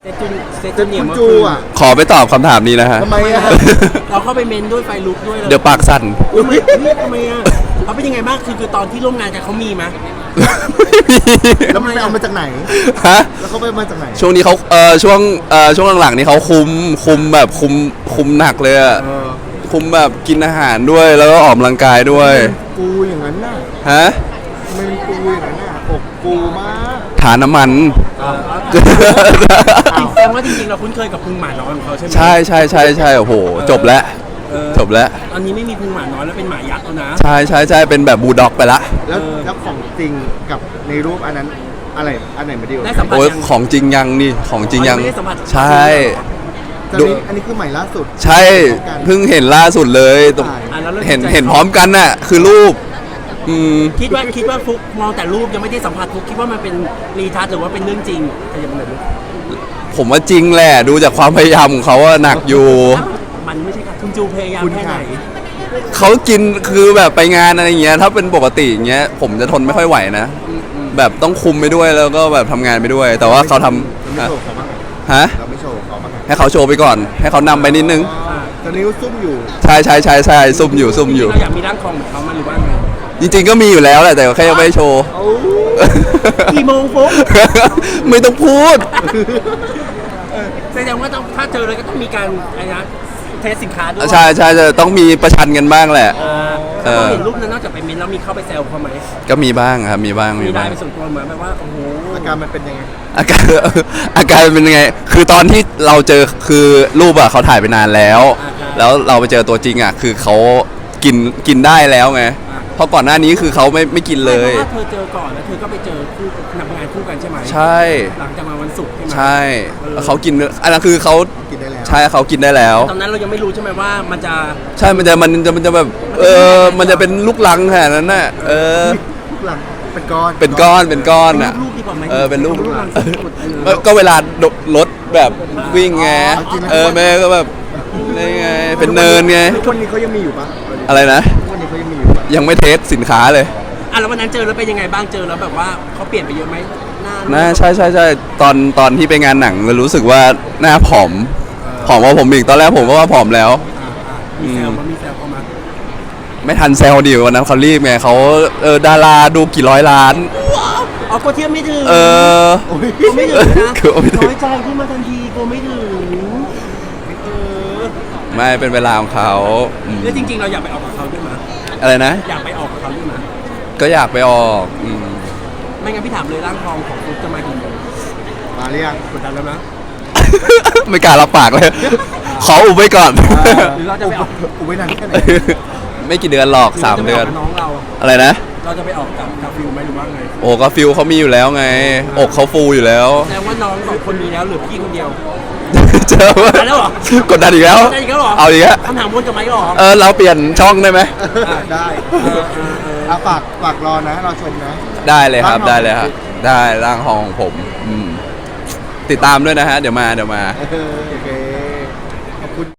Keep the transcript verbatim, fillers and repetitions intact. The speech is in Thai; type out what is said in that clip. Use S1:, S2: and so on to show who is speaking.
S1: เซจุนเซ
S2: เจ
S1: จุ
S2: น
S1: นเนี่ย
S2: คุณ
S1: เมื่อ
S2: จู
S1: คืน
S2: อ่ะ
S3: ขอไปตอบคำถามนี้นะฮะ
S2: ทำไมอ่ะ
S1: เราเข้าไปเมนด้วยไฟลุกด้วยล
S3: เดี๋ยวปากสั่น
S1: อุ๊ยไม่ไม่ทำไมอ่ะเขาเป็นยังไงบ้างคือคือตอนที่ร่วมงานกันเขามีไหม
S2: แล้วมันไปเอามาจากไหน
S3: ฮะ
S2: แล้วเขาไปเอามาจากไหน
S3: ช่วงนี้เขาเออช่วงเออช่วงหลังๆนี่เขาคุมคุมแบบคุมคุมหนักเลยอะ
S2: เออ
S3: คุมแบบกินอาหารด้วยแล้วก็ออกกำลังกายด้วย
S2: ปูอย่างนั้นน่ะ
S3: ฮะ
S2: ทำไมมันปูอย่างนั้นน่ะอกปูมาก
S3: ฐานน้ำมัน
S1: จริงแสดงว่าจริงๆเราคุ้นเคยกับพุงหมาน้อยของเขาใช่ไหม
S3: ใช่ใช่ใช่ใช่โอ้โหจบแล้ว
S1: เออ
S3: จบแล้ว
S1: ตอนนี้ไม่มีพุงหมาน้อยแล้วเป็นหมายักษ์แล้วนะ
S3: ใช่ใช่ใช่เป็นแบบบูลด็อกไปละ
S2: แล้ว
S1: เออ
S2: แล้วของจริงกับในรูปอันนั้นอะไรอันไหนมาดีกว่า
S1: ได้สัมผัส
S3: โอ้ย
S1: ยัง
S3: ของจริงยังนี่ของจริงยัง
S1: อ๋อยังไม่ได้สัมผัส
S3: ใช่
S2: แต่
S3: ดู
S2: นี่อันนี้คือใหม่ล่าสุด
S3: ใช่เพิ่งเห็นล่าสุดเลยตรง
S2: ถ่าย
S1: อ่ะแล้วริ่ม
S3: เห็น
S1: ใจ
S3: เห็นพร้อมกันน่ะคือรูปอืม
S1: คิดว่าคิดว่าฟุกมองแต่รูปยังไม่ได้สัมผัสฟุกคิดว่ามันเป็นรีทัชหรือว่าเป็นเรื่องจริงขยับมาหน่อยดิ
S3: ผมว่าจริงแหละดูจากความพยายามของเขาว่าหนักอยู่
S1: มันไม่ใช่ค่ะคุณจูพยายาม
S2: คุณ
S1: แค่ไหน
S2: ค่ะ
S3: เขากินคือแบบไปงานอะไรอย่างเงี้ยถ้าเป็นปกติอย่างเงี้ยผมจะทนไม่ค่อยไหวนะ แบบต้องคุมไปด้วยแล้วก็แบบทำงานไปด้วย แต่ว่าเขาทำ
S2: เราไม่โชว์เขาบ้าง
S3: ฮะ
S2: เราไม่โชว์เขาบ้าง
S3: ให้เขาโชว์ไปก่อน ให้เขานำไปนิดนึง
S2: อ๋อตอนนี้ซุ่มอยู่
S3: ใช่ใช่ใช่ใช่ซุ่มอยู่ซุ่มอยู่
S1: เราอยากมีร่างทองเหมือนเขามาหรือว่าไง
S3: จริงๆก็มีอยู่แล้วแหละแต่แค่ยังไม่ได้โชว์
S2: โอ้
S1: กี่โมงฟุก
S3: ไม่ต้องพูด
S1: แสดงว่าต้องถ้าเจอเลยก็ต้องมีการอะไรนะเทสสินค้าด้วย
S3: ใช่ใช่จะต้องมีประชันกันบ้างแหละ
S1: อ่า
S3: เออ
S1: เราเห็นรูปนั้นนอกจากไปเมนแล้วมีเข้าไปแซวเขาไหม
S3: ก็มีบ้างครับมีบ้าง
S1: มี
S3: มี
S1: ได้
S3: บ้าง
S1: เป็นส่วนตัวเหมือนแบบว่าโอ้โห
S2: อาการมันเป็นยังไง
S3: อาการ อาการเป็นยังไง คือตอนที่เราเจอคือรูปอะเขาถ่ายไปนานแล้ว แล้วเราไปเจอตัวจริงอะคือเขากินกินได้แล้วไง เพราะก่อนหน้านี้คือเขาไม่ไม่กินเลย
S1: เพราะว่าเธอเจอก่อนแล้วเธอก็ไปเจอคู่ทำงานคู่กันใช่ไหม
S3: ใช่
S1: หลังจากมาวันศุกร์ใช่ไหม
S3: ใช่แล้วเขากินอันนั้นคือเขา
S2: กินได้แล้ว
S3: ใช่เขากินได้แล้ว
S1: ตอนนั้นเรายังไม่รู้ใช่ไหมว่ามันจะ
S3: ใช่มันจะมันจะมันจะแบบเออมันจะเป็นลูกลังขนาดนั้นน่ะเออ
S2: ลูกหลังเป็นก้อน
S3: เป็นก้อนเป็นก้อนอ่ะ
S1: ลูกดีกว่าไหม
S3: เออเป็นลูก
S1: หลังสุดๆเอ
S3: เออ
S1: อ
S3: ก็เวลารถแบบวิ่งไงเออแม่ก็แบบนี่ไงเป็นเนินไง
S2: ทุกวันนี้เขายังมีอยู่ปะ
S3: อะไรนะ
S2: ทุกวันนี้เขายังมีอยู่ปะ
S3: ยังไม่เทสสินค้าเลย
S1: อ่ะแล้ววันนั้นเจอแล้วเป็นยังไงบ้างเจอแล้วแบบว่าเขาเปลี่ยนไปเยอะไหมหน้า
S3: นะใช่ใช่ใช่ตอนตอนที่ไปงานหนังเลยรู้สึกว่าหน้าผอมผอมกว่าผมอีกตอนแรกผมก็ว่าผอมแล้ว
S1: อ่าอ่ามีแซวมามีแซวเข้ามา
S3: ไม่ทันแซลดิวันนั้นเขารีบไงเขาเออดาราดูกี่ร้อยล้าน
S1: อ๋อก็เทียบไม่ถึง
S3: เออ
S1: กลัวไม่ถึงนะ
S3: กลัวไม่ถึง
S1: น้อยใจขึ้นมาทันทีกลัวไม่ถึงเออ
S3: ไม่เป็นเวลาของเขาอืม
S1: แล้วจริง ๆ เราอยากไปออกกับเขาด้วยมั้ย
S3: อะไรนะ
S1: อยากไปออกกับเขาด้วยมั้ย
S3: ก็อยากไปออกอืม
S1: ไม่งั้นพี่ถามเลยร่างทองของฟุ๊กจะมากี่โมง
S2: มาหรือยัง
S1: กดดันแล้วนะ
S3: ไม่กล้ารับปากเลย ขออุบไว้ก่อน
S1: หรือเราจะไปออก
S2: อุบไว้นานแค่ไหน
S3: ไม่กี่เดือนหรอกสาม
S1: หรื
S3: เดื
S1: ร
S3: อน
S1: จะไปกกับน้องเรา
S3: อะไรนะ
S1: เราจะไปออกกับกาฟิลไหมหรือว่าไง
S3: โอ้ก็ฟิลเขามีอยู่แล้วไง อกเขาฟูอยู่แล้ว
S1: แสดงว่าน้องสองคนมีแล้วเหลือพี่คนเดียว
S3: เจอว่าก
S1: ดดันแล้วเหรอ
S3: กดดันอีกแล้ว
S1: ได้อีกแล้วเหรอ
S3: เอาอีกแล้ว
S1: คำถามวนกลับมาอีกเหรอ
S3: เออเราเปลี่ยนช่องได้ไหม
S2: ได้
S1: เออเออเออ
S2: เอาฝากฝากรอนะเราชมนะ
S3: ได้เลยครับ
S2: ร่างทอง
S3: ได้เลยครับ ได้ร่างทองของผมอืมติดตามด้วยนะฮะ เดี๋ยวมาเดี๋ยวมา
S2: เออโอเค